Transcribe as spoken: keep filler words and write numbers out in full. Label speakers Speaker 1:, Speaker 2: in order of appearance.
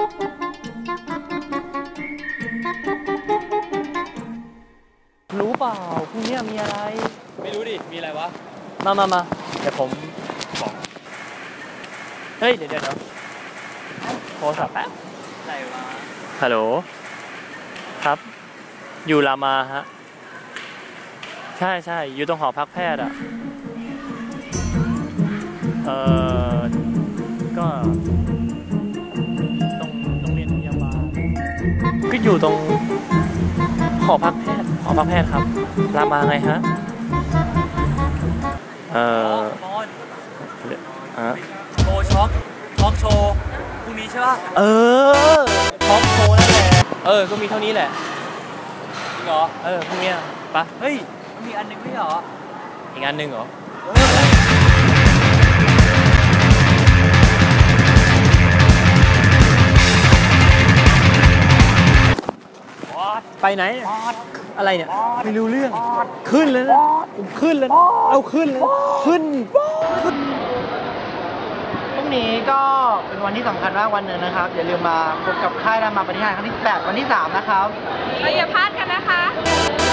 Speaker 1: รู้เปล่าพรุ่งนี้มีอะไร
Speaker 2: ไม่รู้ดิมีอะไรวะ
Speaker 1: มามามาเดี๋ยวผมบอกเฮ้ยเดี๋ยวเดี๋ยวโทรศัพท์แป๊บอะไรวะฮัลโหลครับอยู่รามาฮะใช่ใช่อยู่ตรงหอพักแพทย์อ่ะเออก็ตรงโรงเรียนพยาบาลก็อยู่ตรงหอพักแพทย์หอพักแพทย์ครับรามาไงฮะเออ
Speaker 2: มอน
Speaker 1: ฮะ
Speaker 2: โชว์ช็อกช็อกโชว์พรุ่งนี้ใช่ป่ะ
Speaker 1: เออท็อปโชว์นั่นแหละเออก็มีเท่านี้แหละ
Speaker 2: จริงเหรอ
Speaker 1: เออพรุ่งนี้ปะ
Speaker 2: เฮ้ยมันมีอันนึงไม่เหรอ
Speaker 1: อีกอันหนึ่งเหรอไปไหนอะไรเนี่ยไม่รู้เรื่องขึ้นเลยนะขึ้นเลยเอาขึ้นเลยขึ้นพรุ่งนี้ก็เป็นวันที่สำคัญมากวันหนึ่งนะครับอย่าลืมมาพบกับค่ายรามาปฏิหารครั้งที่แปดวันที่สามนะครับ
Speaker 3: เราอย่าพลาดกันนะคะ